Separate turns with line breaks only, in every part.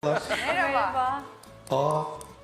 Merhaba.
Aa.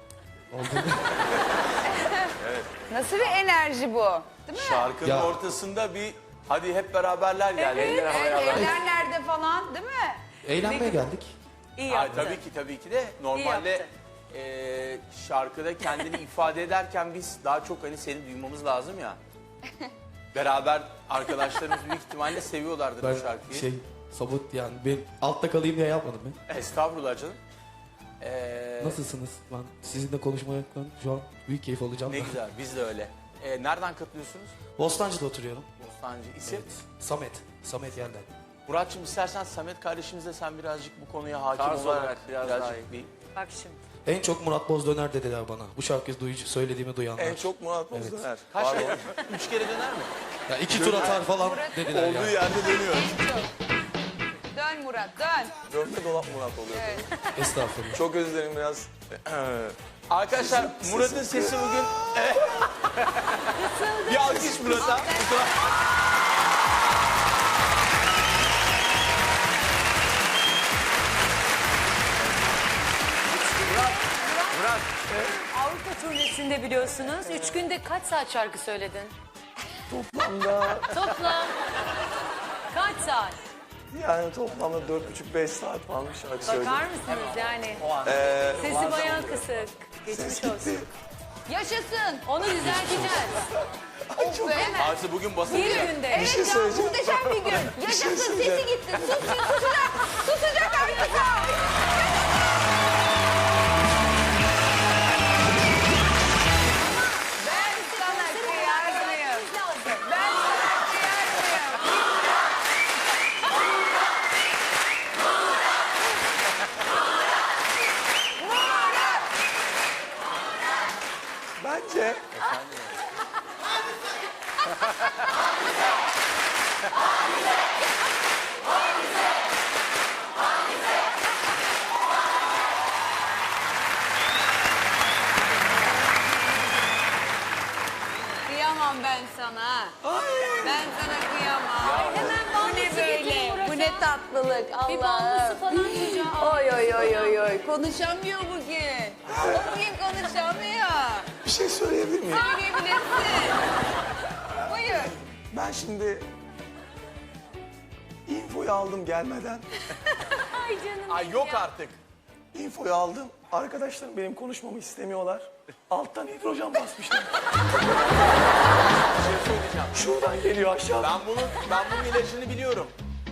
Nasıl bir enerji bu? Değil mi?
Şarkının
Ya.
ortasında bir hadi hep beraberler yani. Eller havaya
Evet,
alın.
evler nerede falan değil mi?
Eğlenmeye geldik.
İyi
Ay,
yaptın.
tabii ki de normalde şarkıda kendini ifade ederken biz daha çok hani seni duymamız lazım ya. Beraber arkadaşlarımız büyük ihtimalle seviyorlardır
Ben
bu şarkıyı.
sabot yani ben altta kalayım diye yapmadım ben.
Estağfurullah canım.
Nasılsınız? Ben sizinle konuşmaktan şu an büyük keyif alacağım.
Ne güzel, biz de öyle. Nereden katılıyorsunuz?
Bostancı'da oturuyorum.
Bostancı. İsim?
Evet. Samet yerden.
Muratçım istersen Samet kardeşimizle sen birazcık bu konuya hakim
Tarz
olarak
olarak biraz daha iyi.
bir...
Bak şimdi.
En çok Murat Boz döner dediler bana. Bu şarkıyı söylediğimi duyanlar.
En çok Murat Boz döner.
Kaç kere? 3 kere döner mi?
Ya 2 tur atar falan dediler
Olduğu
yani.
yerde dönüyor.
Dön Murat dön.
Dönme dolap Murat oluyor.
Evet.
Estağfurullah.
Çok özür dilerim biraz.
Arkadaşlar Murat'ın sesi bugün... bir alkış Murat'a.
Murat.
Avrupa turnesinde biliyorsunuz. 3 günde kaç saat şarkı söyledin?
Toplamda
Toplam. Kaç saat?
yani toplamda 4,5-5 saat falan bir şarkı söyledim.
Bakar mısınız yani? Sesi bayağı kısık. Geçmiş olsun.
Yaşasın.
Onu düzelteceğiz.
Of be.
Artı bugün basın
Bir
ya.
günde.
Evet ya
söyleyeceğim.
muhteşem bir gün. Yaşasın
söyleyeceğim.
sesi gitti. Susacak. Susacak artık. Ben sana kıyar mıyım? Ben sana kıyar mıyım?
Bence
Kıyamam ben sana. Ben sana kıyamam.
Hemen
Bu ne
bağlısı
böyle?
getirin Murat'a.
Bu ne tatlılık.
Bir
Allah'ım.
bağlısı falan çocuğa.
Oy oy oy oy oy. Konuşamıyor bugün. Bugün konuşamıyor.
bir şey söyleyebilir miyim?
Söyleyebilirsin. Buyur.
Ben şimdi infoyu aldım gelmeden.
Ay canım.
Ay yok artık.
İnfoyu aldım. Arkadaşlarım benim konuşmamı istemiyorlar. Alttan hidrojen basmışlar.
Bir şey söyleyeceğim.
Şuradan geliyor aşağıdan.
Ben bunun ilacını biliyorum.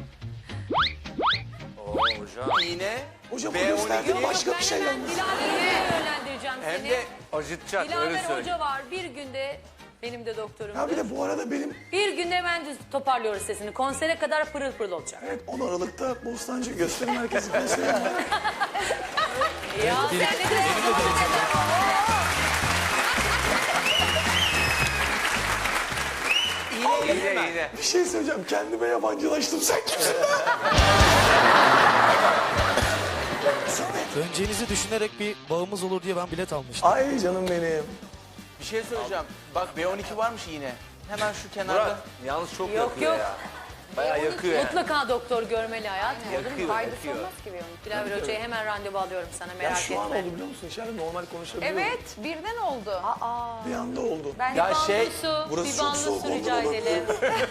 Hocam.
İğne,
Hocam o gösterdiği
B12
başka bir
Ben
şey
hemen
yalnız.
Dilaver'e yönlendireceğim
hem
seni.
de
Acıtacak
Dilaver Hoca var. Bir günde benim de doktorum.
Ya bir de bu arada benim
Bir günde hemen toparlıyoruz sesini. Konsere kadar pırıl pırıl olacak.
evet 10 Aralık'ta Bostancı Gösteri Merkezi konseri var.
Ya sen ne de
iğne.
Bir şey söyleyeceğim. Kendime yabancılaştım. Sen kimsin? Samet.
Döneceğinizi düşünerek bir bağımız olur diye ben bilet almıştım.
Ay canım benim.
Bir şey söyleyeceğim. Bak B12 varmış iğne. Hemen şu kenarda.
Yalnız çok
Yok yok.
Bayağı yakıyor yani.
Mutlaka doktor görmeli hayatım.
Yakıyor,
Faydası
yakıyor.
olmaz ki bir onun.
Dilaver Hoca'ya hemen randevu alıyorum sana,
Ya
merak
şu an
etme.
oldu biliyor musun? İçeride normal konuşabiliyorum.
Evet birden oldu.
Bir anda oldu.
Ben
Ya şey,
Su,
burası
bir
çok
banlı
soğuk
su
oldu
rica
baba.
edelim.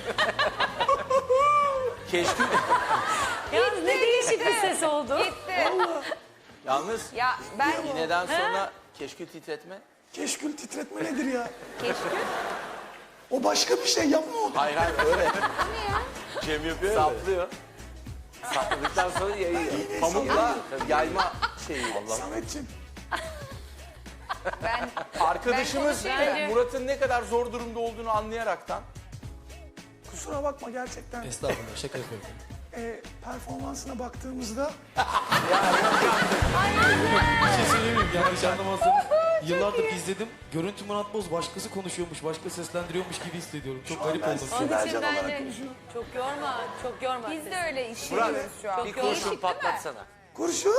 keşke...
Yalnız ne değişik bir ses oldu.
gitti.
Yalnız
Ya ben
iğneden sonra keşke titretme.
Keşkül titretme nedir ya?
keşke.
O başka bir şey yapma onu.
Hayır öyle. Cem yapıyor ya. Saplıyor. Sapladıktan sonra yayıyor. Pamukla yayma şeyi.
Sametciğim.
Ben
Arkadaşımız
Ben konuşayım.
Murat'ın ne kadar zor durumda olduğunu anlayaraktan
Kusura bakma gerçekten.
Estağfurullah şaka yapıyorum.
Performansına baktığımızda
Bir şey söyleyeyim mi? Yanlış anlamazsanız yıllardır izledim. Görüntü Murat Boz başkası konuşuyormuş, başka seslendiriyormuş gibi hissediyorum. Çok garip
ben
oldum.
sizi-
Onun için
Bercan
ben
olarak
de
konuşuyorum.
çok yorma, çok yorma.
biz
sesini.
de öyle hissediyoruz şu an.
bir kurşun
patlatsana.
kurşun.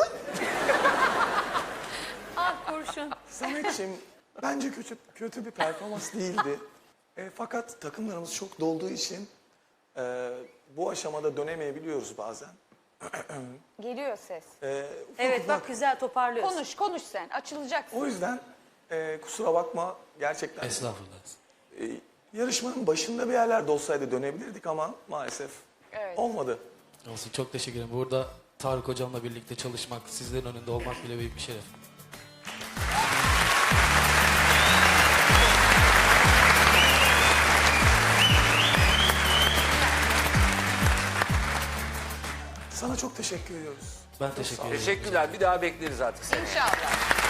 Ah kurşun.
Sametciğim bence kötü bir performans değildi. Fakat takımlarımız çok dolduğu için bu aşamada dönemeyebiliyoruz bazen.
Geliyor ses.
Evet bak güzel toparlıyorsun.
Konuş sen. Açılacaksın.
O yüzden kusura bakma gerçekten.
Estağfurullah.
Yarışmanın başında bir yerlerde olsaydı dönebilirdik ama maalesef
Evet.
olmadı.
Olsun, çok teşekkür ederim. Burada Tarık hocamla birlikte çalışmak, sizlerin önünde olmak bile büyük bir şeref.
Sana çok teşekkür ediyoruz.
Ben teşekkür ederim.
Teşekkürler. Bir daha bekleriz artık seni.
İnşallah.